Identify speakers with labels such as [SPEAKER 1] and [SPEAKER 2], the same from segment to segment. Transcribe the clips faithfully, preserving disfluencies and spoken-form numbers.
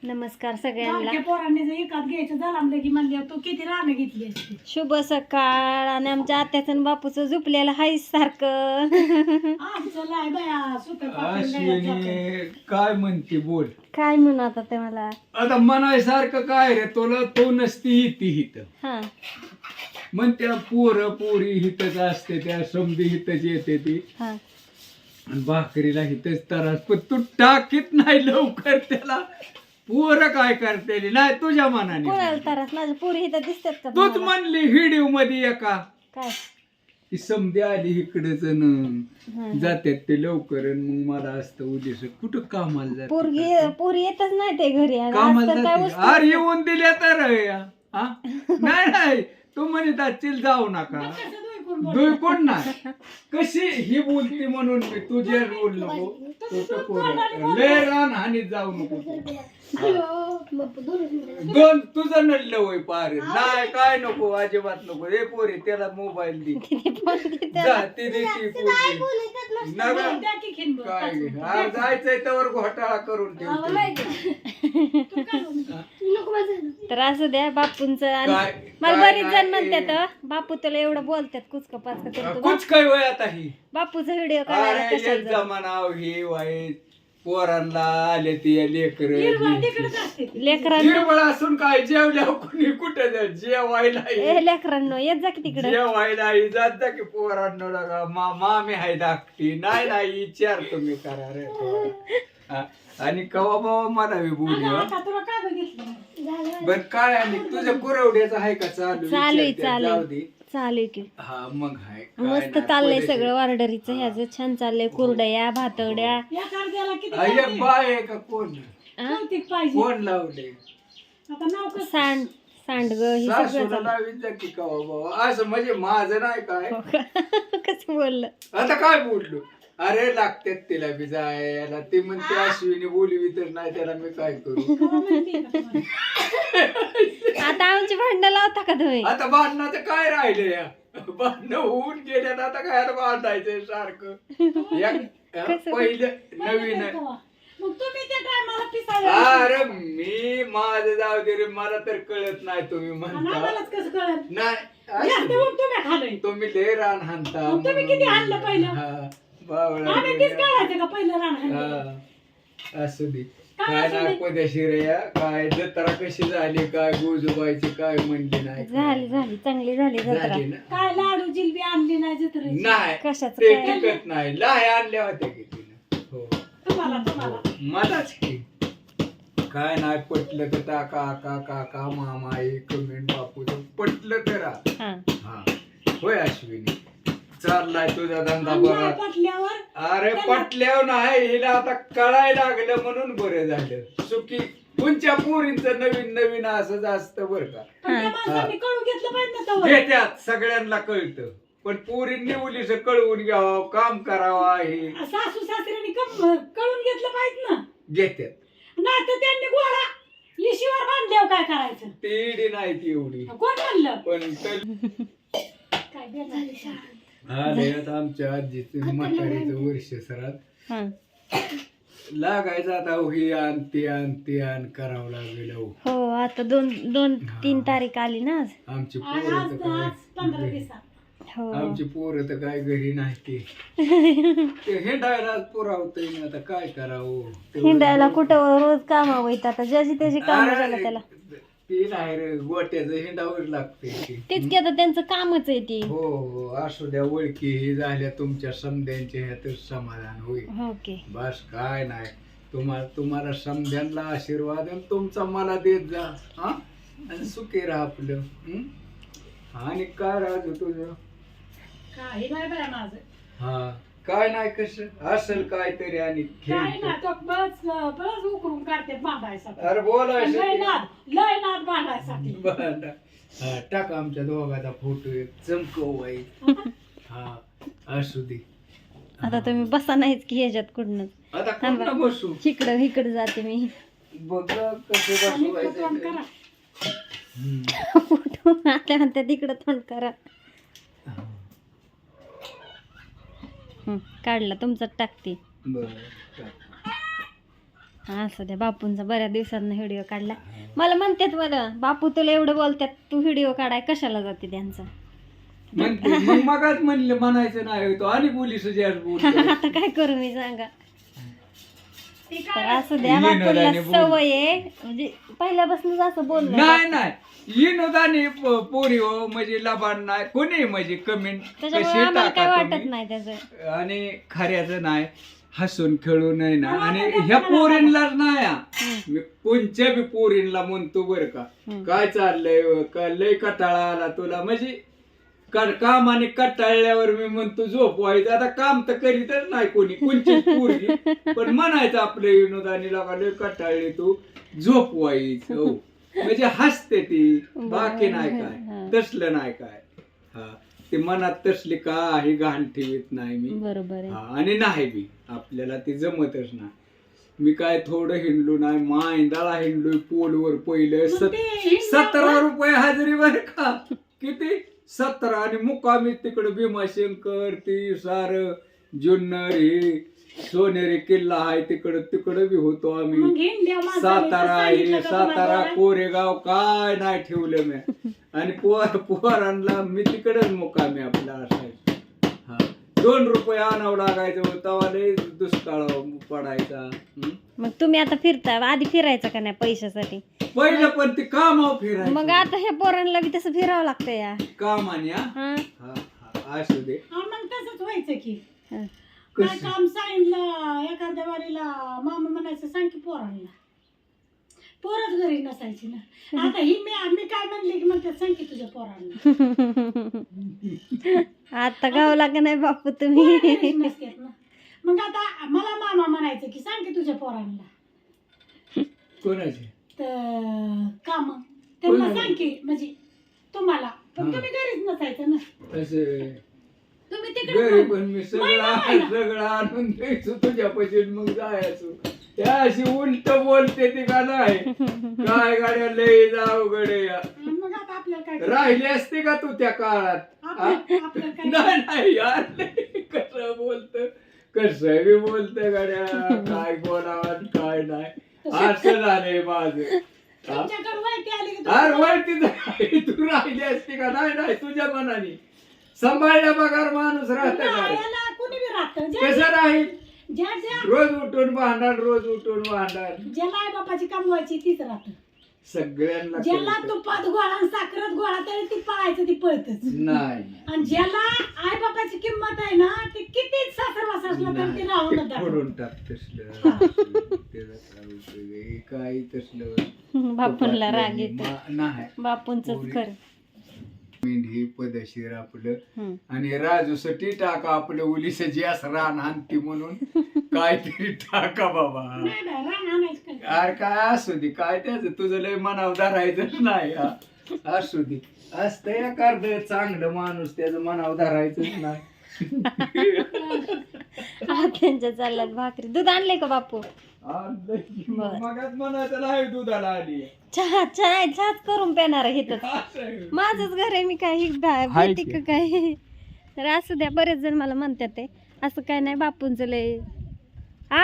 [SPEAKER 1] नमस्कार सगळ्यांना.
[SPEAKER 2] बारक्या पोरांनी जर एकात घ्यायचं झालं म्हणलं की म्हणले तू किती रानं घेतली असती.
[SPEAKER 1] शुभ सकाळ. आणि आमच्या आत्याचं आणि बापूचं झोपलेलं हाय सारखं.
[SPEAKER 2] आमचं लाय बाया सुतं पातळ गळ्यात जातं.
[SPEAKER 3] अश्विनी काय म्हणते बोल.
[SPEAKER 1] काय म्हणू आता ते मला.
[SPEAKER 3] आता म्हणायसारखं काय रे तुला तू नसती हिती हित
[SPEAKER 1] हा
[SPEAKER 3] म्हणत्या पोर पोरी हितच असते त्या समधी हितच येते ती
[SPEAKER 1] हा
[SPEAKER 3] आणि भाकरीला हितच त्रास पण तू टाकीत नाही लवकर त्याला. पोर काय करते नाही तुझ्या मनाने.
[SPEAKER 1] कोणाला त्रास. माझ्या पोरी इथं दिसतात का
[SPEAKER 3] तूच
[SPEAKER 1] तुम्हाला?
[SPEAKER 3] म्हणली व्हिडिओ मध्ये एका
[SPEAKER 1] काय
[SPEAKER 3] ती समधी आली इकडेच
[SPEAKER 1] हा.
[SPEAKER 3] जातात ते लवकर आणि मग मला असतं उद्या कुठं कामाला जाते
[SPEAKER 1] पोरगी पोरी येतच नाही ते घरी. आणि
[SPEAKER 3] कामाला
[SPEAKER 1] आज तर काय
[SPEAKER 3] जाते
[SPEAKER 1] वस्तू-
[SPEAKER 3] अरे येऊन दिल्या तर या. हा? नाही नाही तू म्हणत असतील जाऊ नका
[SPEAKER 2] कसं दोय करून बोल.
[SPEAKER 3] दुई कोण नाही कशी ही बोलती म्हणून मी तुझे बोल नको तू तर पोरं. लय रान हानीत जाऊ नको दोन तुझं नडलं होय पार नाही काय नको अजिबात नको हे पोरी त्याला मोबाईल दे जा ती दे ती पोरगी. नव्या
[SPEAKER 2] द्या की खिंड.
[SPEAKER 3] काय घे. हा, जायचंय त्यावर घोटाळा करून ठेवतो.
[SPEAKER 1] तर असू द्या बापूंच. आणि
[SPEAKER 3] काय-
[SPEAKER 1] मला
[SPEAKER 3] काय
[SPEAKER 1] बरीच
[SPEAKER 3] नाही.
[SPEAKER 1] जण म्हणतात बापू तुला एवढं बोलतात कुचक पाचक करतो.
[SPEAKER 3] कुछ काय वय आता ही
[SPEAKER 1] बापूचा व्हिडिओ काढायला
[SPEAKER 3] अरे
[SPEAKER 1] कशाला
[SPEAKER 3] एक
[SPEAKER 1] जाऊ?
[SPEAKER 3] जमाना ही वाईट पोरांना आले ती लेकर
[SPEAKER 2] हिरवळ तिकडेच असते ती.
[SPEAKER 1] लेकरांना
[SPEAKER 3] हिरवळ असून काय जेवल्या कुणी कुठे जा जेवायला ये.
[SPEAKER 1] ए लेकरांनो येत जा की तिकडं.
[SPEAKER 3] जेवायला ये. जात जा की पोरांना लागा मा मामी हाय धाकटी नाही नाही विचार तुम्ही करा रे हा. आणि कवा बाबा मला बी बोलू
[SPEAKER 2] अगं,
[SPEAKER 3] हा.
[SPEAKER 2] आता तुला काय बघितलं
[SPEAKER 3] बर काय आणि तुझ्या कुरवड्याचं आहे का चालू
[SPEAKER 1] चालू आहे,
[SPEAKER 3] विचारते,
[SPEAKER 1] चालू आहे.
[SPEAKER 3] जाऊ दे.
[SPEAKER 1] चालू आहे की
[SPEAKER 3] हा मग हाय काय
[SPEAKER 1] मस्त
[SPEAKER 3] नाही,
[SPEAKER 1] चाललंय
[SPEAKER 3] पद्धतशीर.
[SPEAKER 1] सगळं ऑर्डरीचं ह्याचं छान चाललंय. कुरडया भातवड्या.
[SPEAKER 2] या कार्द्याला किती
[SPEAKER 3] हा, एक
[SPEAKER 2] लागते?
[SPEAKER 3] बाय आहे का कोण
[SPEAKER 1] हा?
[SPEAKER 2] कौतिक पाहिजे.
[SPEAKER 3] कोण लावले
[SPEAKER 2] आता नाव कसं?
[SPEAKER 1] सांड सांडग हे सगळं
[SPEAKER 3] सासूला
[SPEAKER 1] चालू.
[SPEAKER 3] लावीत जा की कवा बाबा असं म्हणजे माझं नाही काय
[SPEAKER 1] कसं बोललं.
[SPEAKER 3] आता काय बोललो अरे लागतात तिला बी जायला ती म्हणते अश्विनी बोलवी तर नाही त्याला मी काय करू.
[SPEAKER 2] खरं माहितीये का तुम्हाला?
[SPEAKER 1] आता आमची भांडणं लावता का तुम्ही?
[SPEAKER 3] आता भांडणाचं काय राहिले या भांडणं होऊन गेल्यात आता काय भांडायचंय सारखं एक-
[SPEAKER 1] कसं?
[SPEAKER 3] पहिलं नवीन
[SPEAKER 2] मग तुम्ही त्या टायमाला पिसाळ्या
[SPEAKER 3] अरे मी माझं जाऊ दे रे मला तर कळत नाही तुम्ही म्हणता
[SPEAKER 2] आम्हालाच कसं कळत
[SPEAKER 3] नाही
[SPEAKER 2] जास्त
[SPEAKER 3] असू
[SPEAKER 2] मग तुम्ही खाल्लंय
[SPEAKER 3] दे. तुम्ही लय रान हाणता
[SPEAKER 2] मग तुम्ही किती हाणलं पहिलं?
[SPEAKER 3] हा, बावळा
[SPEAKER 2] आम्ही तीच काढायचं का पहिलं रान हाणलं?
[SPEAKER 3] हा, असू दे
[SPEAKER 2] काय
[SPEAKER 3] काय
[SPEAKER 2] असू दे?
[SPEAKER 3] नाही पदेशीर या काय जत्रा कशी झाली काय गोजूबाईची काय म्हणली नाही
[SPEAKER 1] झाली झाली चांगली झाली जत्रा.
[SPEAKER 3] झाली ना
[SPEAKER 2] काय लाडू जिलबी आणली नाही जत्रेची?
[SPEAKER 3] नाही
[SPEAKER 1] कशाचं
[SPEAKER 3] ते
[SPEAKER 1] काय?
[SPEAKER 3] टिकत नाही लाहे आणल्या होत्या की तिनं हो
[SPEAKER 2] तुम्हाला तुम्हाला
[SPEAKER 3] मलाच की काय नाही पटलं तर टाका काका का मामा कमेंट बापू पटलं तर आ.
[SPEAKER 1] हा
[SPEAKER 3] हा होय अश्विनी चाललाय तुझा धंदा
[SPEAKER 2] आणि
[SPEAKER 3] बरा
[SPEAKER 2] नाही पटल्यावर
[SPEAKER 3] अरे पटल्यावर नाही हिला आता कळायला लागलं म्हणून बरं झालं सुखी तुमच्या पोरींचं नवीन नवीन असं असतं बरं का
[SPEAKER 2] पण त्या माणसांनी कळून घेतलं पाहिजे ना तवर.
[SPEAKER 3] घेत्यात सगळ्यांना कळतं पण पोरींनी मुलीचं कळवून घ्यावं काम करावं हे
[SPEAKER 2] सासू सासऱ्यांनी कम- कळून घेतलं पाहिजे ना.
[SPEAKER 3] घेत्यात
[SPEAKER 2] नाही तर त्यांनी गोळा इशीवर बांधल्यावर काय करायचं?
[SPEAKER 3] तेडी नाही ती एवढी
[SPEAKER 2] कोण म्हणलं?
[SPEAKER 3] पण तर
[SPEAKER 2] काय बेजारी शाळा.
[SPEAKER 3] आले आता आमच्या आजीचं म्हातारीचं वर्ष सरात
[SPEAKER 1] हा
[SPEAKER 3] लागायचं आता हो ही आण ते आण ते आण करावं लागेल हो.
[SPEAKER 1] हो आता दोन दोन तीन तारीख आली ना आज.
[SPEAKER 3] आमची
[SPEAKER 2] आज
[SPEAKER 3] पोरं
[SPEAKER 2] आज
[SPEAKER 3] तर
[SPEAKER 2] आज पंधरा
[SPEAKER 3] काय
[SPEAKER 2] दिवसात.
[SPEAKER 1] हो
[SPEAKER 3] आमची पोरं तर काय घरी नाही ते ते हिंडायला पुरावतय ना आता काय करावं तेवढं-
[SPEAKER 1] हिंडायला कुठं रोज कामावं येतं आता ज्याची त्याची काम
[SPEAKER 3] अरे,
[SPEAKER 1] झालं त्याला.
[SPEAKER 3] ते नाही रे गोट्याचं हिंडावर लागतंय
[SPEAKER 1] तेच की आता त्यांचं कामच आहे ती.
[SPEAKER 3] हो हो असू द्या ओळखी हे झाल्या तुमच्या समध्यांच्या ह्यातच समाधान होईल
[SPEAKER 1] ओके
[SPEAKER 3] बस काय नाही तुम्हाला तुम्हाला समध्यांना आशीर्वाद आणि तुमचा मला देत जा हा आणि सुखी राहा आपलं हं? आणि काय राहतो तुझं
[SPEAKER 2] काही नाही बाय माझं.
[SPEAKER 3] हा काय नाही कसं असेल काहीतरी आणि
[SPEAKER 2] काय
[SPEAKER 3] खेळ
[SPEAKER 2] नाही तो बस बस उकरून काढते बांधायसाठी.
[SPEAKER 3] अरे
[SPEAKER 2] लय
[SPEAKER 3] बोलायचं
[SPEAKER 2] नाद लय नाद बांधायसाठी.
[SPEAKER 3] बरं. हा, टाक आमच्या दोघाचा फोटो एक चमकव बाई हा असू दे
[SPEAKER 1] आता तुम्ही बसा नाहीच की ह्याच्यात कुठनच.
[SPEAKER 3] आता
[SPEAKER 1] थांबा.
[SPEAKER 3] कुठं बसू
[SPEAKER 1] इकडं इकडं जाते मी.
[SPEAKER 3] बघ कसं
[SPEAKER 2] आणि तोंड
[SPEAKER 3] बसवायचं
[SPEAKER 2] करा.
[SPEAKER 3] हम्म.
[SPEAKER 1] फोटो आता म्हणते तिकडं तोंड करा. हं, काढला तुमचा टाकते.
[SPEAKER 3] बरं टाक.
[SPEAKER 1] हा असं द्या, बापूंचा बऱ्याच दिवसांना व्हिडिओ काढला. मला म्हणतात मला, बापू तुला एवढं बोलतात, तू व्हिडिओ काढाय कशाला जाते त्यांचा.
[SPEAKER 3] म्हणते मग मगाच म्हणले म्हणायचं नाही तो आणि पोलीस बोल
[SPEAKER 1] आता काय करू मी सांगा.
[SPEAKER 2] ते
[SPEAKER 1] तर
[SPEAKER 2] काय
[SPEAKER 1] असं द्या,
[SPEAKER 3] येणं
[SPEAKER 1] बापूला
[SPEAKER 3] जाणे बोल.
[SPEAKER 1] सवय आहे, म्हणजे पहिल्यापासूनच असं बोलणं.
[SPEAKER 3] नाही नाही विनोदाने पोरी हो म्हणजे लबाड नाही कोणी म्हणजे कमेंट
[SPEAKER 1] त्याच्यामुळे
[SPEAKER 3] कशी
[SPEAKER 1] आम्हाला काय
[SPEAKER 3] टाका
[SPEAKER 1] वाटत
[SPEAKER 3] तुम्ही.
[SPEAKER 1] नाही त्याचं.
[SPEAKER 3] आणि खऱ्याचं नाही हसून खेळू नाही ना.
[SPEAKER 2] मला
[SPEAKER 3] आणि
[SPEAKER 2] तर
[SPEAKER 3] ह्या
[SPEAKER 2] मला
[SPEAKER 3] पोरींलाच नाही हा.
[SPEAKER 1] हम्म.
[SPEAKER 3] मी कोणच्या बी पोरींला म्हणतो बर का
[SPEAKER 1] हम्म.
[SPEAKER 3] काय चाललंय का लय कटाळा आला तुला म्हणजे कर- काम आणि कटाळल्यावर मी म्हणतो झोप व्हायचं. आता काम तर करीतच नाही कोणी कोणची पोरगी पण म्हणायचं आपल्या विनोदानी लोका लय कटाळली तू झोप व्हायचं हो. म्हणजे हसते ती बाकी नाही
[SPEAKER 1] हा.
[SPEAKER 3] काय तसलं नाही काय. हा ते मनात तसली काही घाण ठेवीत नाही मी.
[SPEAKER 1] बरोबर आहे.
[SPEAKER 3] हा आणि नाही बी आपल्याला ते जमतच नाही. मी काय थोडं हिंडलो नाही मायंदाळा हिंडलोय पोलवर पहिलं
[SPEAKER 2] मग
[SPEAKER 3] सत-
[SPEAKER 2] ते हिंडलं
[SPEAKER 3] सतरा रुपये हजेरी बर का किती सतरा आणि मुक्कामी तिकडे भीमाशंकर ती सार जुन्नर हे सोनेरी किल्ला आहे तिकडं तिकडं बी होतो
[SPEAKER 2] मग
[SPEAKER 3] आम्ही.
[SPEAKER 2] हिंड्या माणसाने
[SPEAKER 3] सातारा
[SPEAKER 2] सांगितलं
[SPEAKER 3] आहे
[SPEAKER 2] का
[SPEAKER 3] सातारा
[SPEAKER 2] तुम्हाला?
[SPEAKER 3] कोरेगाव काय नाही ठेवलं मी. आणि पोर पोरांना मी तिकडेच मुक्कामी आपला असायचं. हा दोन रुपये आणावं लागायचं तेव्हा लय दुष्काळ पडायचा. हं?
[SPEAKER 1] मग तुम्ही आता फिरता, आधी फिरायचं का नाही पैशासाठी.
[SPEAKER 3] पहिलं पण ते कामावर फिरायचं
[SPEAKER 1] मग आता ह्या पोरांना बी तसं फिरावं लागतं या.
[SPEAKER 3] कामाने हा
[SPEAKER 1] हा?
[SPEAKER 3] हा, हा, असू दे.
[SPEAKER 2] हा, मग तसंच व्हायचं की
[SPEAKER 1] हा.
[SPEAKER 2] काय
[SPEAKER 3] कसं?
[SPEAKER 2] काम सांगितलं एखाद्या वारीला मामा म्हणायचं सांग की पोरांना. पोरच घरी नसायची ना. आता ही मी मी काय म्हणले की म्हणतात सांग की तुझ्या पोरांना.
[SPEAKER 1] आता गावला का नाही बापू
[SPEAKER 2] पोरं
[SPEAKER 1] तुम्ही.
[SPEAKER 2] घरीच नसतात ना. मग आता मला मामा म्हणायचं की सांग की तुझ्या पोरांना
[SPEAKER 3] कोणाचे
[SPEAKER 2] तर काम त्यांना
[SPEAKER 3] कोणाला?
[SPEAKER 2] सांग की म्हणजे तुम्हाला पण
[SPEAKER 3] हा.
[SPEAKER 2] तुम्ही घरीच नसायचं ना.
[SPEAKER 3] असे
[SPEAKER 2] तुम्ही
[SPEAKER 3] घरी
[SPEAKER 2] तिकडे
[SPEAKER 3] पण मी सगळं
[SPEAKER 2] महिना, महिना.
[SPEAKER 3] सगळं आणून द्यायचो तुझ्या पैसे मग जायचो. त्या अशी उलट बोलते ती का नाही काय गाड्या लय जाऊ गडे या
[SPEAKER 2] मग आता आपल्याला काय
[SPEAKER 3] राहिली असते का तू त्या काळात हा?
[SPEAKER 2] आपल्या- आपल्याला काय
[SPEAKER 3] नाही नाही यार कसं बोलत कसं बी बोलत गाड्या काय बोलावं आणि काय नाही असं झालंय माझं. हा?
[SPEAKER 2] तुमच्याकडे माहिती आली की
[SPEAKER 3] अरे
[SPEAKER 2] तुम्हाला-
[SPEAKER 3] वरती जाय, तू राहिली असते का नाही नाही तुझ्या मनाने सांभाळल्या बघार माणूस राहत
[SPEAKER 2] नाही,
[SPEAKER 3] का
[SPEAKER 2] याला कोणी बी राहतं. ज्या-
[SPEAKER 3] कसं राहील
[SPEAKER 2] ज्या ज्या
[SPEAKER 3] रोज उठून भांडण रोज उठून भांडण
[SPEAKER 2] ज्याला आई बापाची कमवायची तीच राहतं.
[SPEAKER 3] सगळ्यांना
[SPEAKER 2] ज्याला
[SPEAKER 3] कळतं.
[SPEAKER 2] तुपात गोळा आणि साखरात गोळा तरी ती पळायचं ती पळतच.
[SPEAKER 3] नाही
[SPEAKER 2] आणि ज्याला आई बापाची किंमत आहे ना ते किती सासरवास असलं तर ते राहून
[SPEAKER 3] नाही, ते
[SPEAKER 2] दाखवतं.
[SPEAKER 3] फोडून टाक तसलं त्याचा काय उपयोग आहे? काही तसलं
[SPEAKER 1] बापूंला राग येतो.
[SPEAKER 3] मा- नाही
[SPEAKER 1] बापूंच खरं.
[SPEAKER 3] मेंढी पदशीर आपलं
[SPEAKER 1] हम्म.
[SPEAKER 3] आणि राजूसाठी टाका आपलं उलीस जास्त रान आणती म्हणून काहीतरी टाका बाबा.
[SPEAKER 2] नाही नाही, रान आणायचं काय.
[SPEAKER 3] अरे काय असू दे काय त्याच तुझं लय मनावर धरायचं नाही हा. असू दे असतं या कार्ड चांगलं माणूस त्याचं मनावर धरायचंच नाही.
[SPEAKER 1] हा, त्यांच्या चालल्यात भाकरी. दूध आणले का बापू.
[SPEAKER 3] मग मगाच म्हणायचं नाही दुधाला आली
[SPEAKER 1] चहा चहा नाही, चहाच करून पेणार आहे इथंच.
[SPEAKER 3] असं आहे.
[SPEAKER 1] माझंच घर आहे, मी काही
[SPEAKER 3] हाय
[SPEAKER 1] भीती
[SPEAKER 3] की.
[SPEAKER 1] का काय. तर असू द्या, बरेच जण मला म्हणतात ते असं काय नाही बापूंचं लय. आ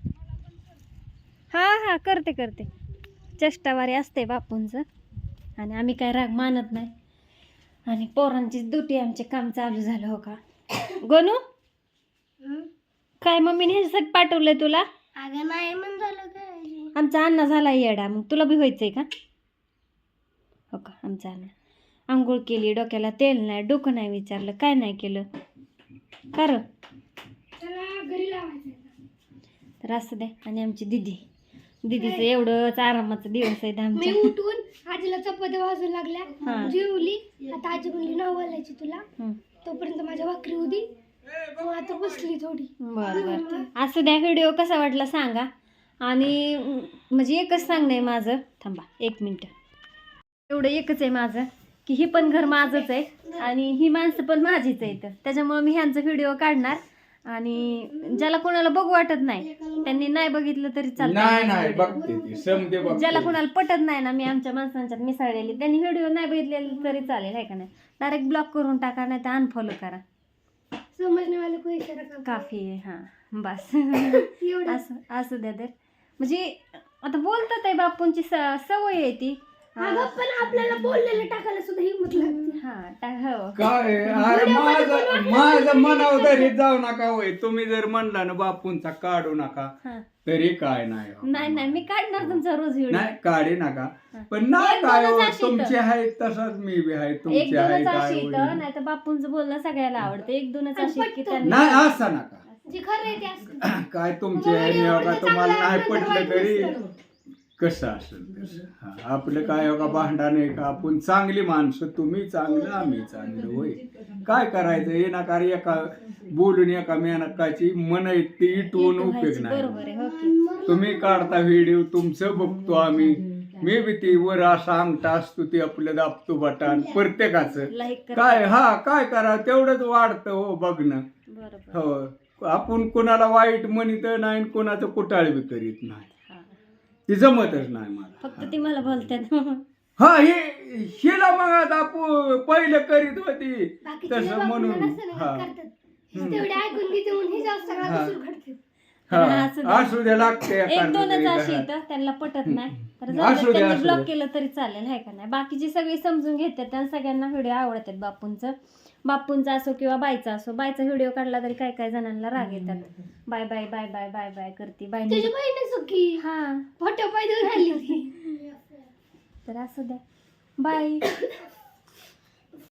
[SPEAKER 1] हा हा करते करते चेष्टावारी असते बापूंचं. आणि आम्ही काय राग मानत नाही. आणि पोरांची दुटी आमचे काम चालू झालं हो का गोनू. काय मम्मीने ह्याच्यासाठी पाठवलंय तुला.
[SPEAKER 2] अगं नाही म्हण झालं काय.
[SPEAKER 1] आमचा अण्णा झाला येडा, मग तुला बी व्हायचंय का. हो का आमचा अण्णा आंघोळ केली, डोक्याला तेल नाही, डोकं नाही विचारलं, काय नाही केलं खरं.
[SPEAKER 2] त्याला घरी लावायचं.
[SPEAKER 1] तर असं द्या. आणि आमची दिदी दिदीचं एवढंच आरामाचा दिवस आहेत
[SPEAKER 4] मी
[SPEAKER 1] आमच्या.
[SPEAKER 4] उठून आजीला चपात्या वाजू
[SPEAKER 1] हा.
[SPEAKER 4] लागल्या, जेवली. आता आजी म्हणली नाव घालायची तुला,
[SPEAKER 1] हं.
[SPEAKER 4] तोपर्यंत माझ्या भाकरी होती. मग आता बसली थोडी.
[SPEAKER 1] बरं बरं असं द्या. व्हिडिओ कसा वाटला सांगा. आणि अं, म्हणजे एकच सांगणं आहे माझं. थांबा एक मिनटं. एवढं एकच आहे माझं की हे पण घर माझंच आहे आणि ही माणसं पण माझीच आहेत. त्याच्यामुळं मी ह्यांचा व्हिडिओ काढणार. आणि ज्याला कोणाला बघू वाटत नाही त्यांनी नाही बघितलं तरी
[SPEAKER 3] नाही नाही
[SPEAKER 1] चालतं.
[SPEAKER 3] बघते ती समजे बघते.
[SPEAKER 1] ज्याला कोणाला पटत नाही ना मी आमच्या माणसांच्यात मिसळलेली त्यांनी व्हिडिओ नाही बघितलेले तरी चालेल आहे का नाही. डायरेक्ट ब्लॉक करून टाका नाही तर अनफॉलो करा.
[SPEAKER 4] समजणे वाले को इशारा का
[SPEAKER 1] काफी आहे हां बस.
[SPEAKER 4] एवढं
[SPEAKER 1] असं असू द्या. तर म्हणजे आता बोलतात आहे बापूंची स- सवय आहे ती.
[SPEAKER 4] अगं पण आपल्याला बोललेलं टाकायला सुद्धा हिंमत लागते.
[SPEAKER 1] हा टा- हो
[SPEAKER 3] काय अरे माझं माझं मनावर धरीत जाऊ नका होय. तुम्ही जर म्हणला ना बापूंचा काढू नका
[SPEAKER 1] हा.
[SPEAKER 3] तरी काय नाही हो.
[SPEAKER 1] नाही नाही मी काढणार तुमचा रोज व्हिडिओ.
[SPEAKER 3] नाही काढे नका
[SPEAKER 1] हा.
[SPEAKER 3] पण नाही
[SPEAKER 1] एक
[SPEAKER 3] काय
[SPEAKER 1] दोनच
[SPEAKER 3] हो,
[SPEAKER 1] अशी
[SPEAKER 3] तुमचे
[SPEAKER 1] इथं.
[SPEAKER 3] आहेत तसाच मी बी आहे
[SPEAKER 1] एक
[SPEAKER 3] तुमचे आहे
[SPEAKER 1] दोनच
[SPEAKER 3] काय
[SPEAKER 1] अशी
[SPEAKER 3] होईल.
[SPEAKER 1] इथं नाही तर बापूंचं बोलणं सगळ्याला आवडतं. एक दोनच
[SPEAKER 4] आणि
[SPEAKER 1] अशी की
[SPEAKER 4] पटतं.
[SPEAKER 1] त्यांना
[SPEAKER 3] नाही असं नका
[SPEAKER 4] जे खरं आहे ते असतं.
[SPEAKER 3] काय तुमचे आहे मी बघा तुम्हाला नाही पटलं तरी कसं असेल तसं. हा, आपलं काय हो का भांडण आहे का आपण चांगली माणसं तुम्ही चांगलं आम्ही चांगलं होय. काय करायचं हे नका रे एका बोलून एका मेनकाची मन ती इटवून
[SPEAKER 1] एक
[SPEAKER 3] उपयोग
[SPEAKER 1] व्हायचं.
[SPEAKER 3] नाही.
[SPEAKER 1] बरोबर आहे हो की.
[SPEAKER 3] तुम्ही काढता व्हिडिओ तुमचं बघतो आम्ही मी बी ती वर असा अंगठा असतो ते आपलं दाबतो बटन प्रत्येकाचं.
[SPEAKER 1] लाईक
[SPEAKER 3] काय हा काय करा तेवढंच वाढतं हो बघणं.
[SPEAKER 1] बरोबर.
[SPEAKER 3] हो आपण कोणाला वाईट म्हणत नाही कोणाचं कुटाळ बी करीत नाही.
[SPEAKER 1] हा.
[SPEAKER 3] ती जमतच नाही मला.
[SPEAKER 1] फक्त ती मला बोलतात.
[SPEAKER 3] हा हे हिला मग आता पु- पहिलं करीत होती
[SPEAKER 4] बाकीचे
[SPEAKER 3] तसं
[SPEAKER 4] बापूंना
[SPEAKER 3] म्हणून
[SPEAKER 4] नसतं ना
[SPEAKER 3] हा
[SPEAKER 4] करतात. तेवढे ऐकून घेते म्हणून हे जास्त सगळा
[SPEAKER 3] हा.
[SPEAKER 4] कसूर घडते.
[SPEAKER 3] हा
[SPEAKER 1] असू द्या.
[SPEAKER 3] असू द्या लागते
[SPEAKER 1] एक
[SPEAKER 3] एखादं
[SPEAKER 1] दोनच
[SPEAKER 3] तरी
[SPEAKER 1] अशी
[SPEAKER 3] घरात.
[SPEAKER 1] इथं त्यांना पटत नाही तर
[SPEAKER 3] असू
[SPEAKER 1] जाऊ दे,
[SPEAKER 3] द्या,
[SPEAKER 1] त्यांनी
[SPEAKER 3] असू
[SPEAKER 1] ब्लॉक
[SPEAKER 3] द्या.
[SPEAKER 1] केलं तरी चालेल हाय का नाही. बाकीची सगळी समजून घेतात आणि सगळ्यांना व्हिडिओ आवडतात बापूंचं. बापूंचा असो किंवा बायचा असो. बायचा व्हिडिओ काढला तरी काय काय जणांना राग येतात. Bye bye bye bye bye bye करते बाय
[SPEAKER 4] तुझी बहीण सुखी
[SPEAKER 1] हा
[SPEAKER 4] फोटो पाय देऊन राहिली होती.
[SPEAKER 1] तर असू द्या बाय.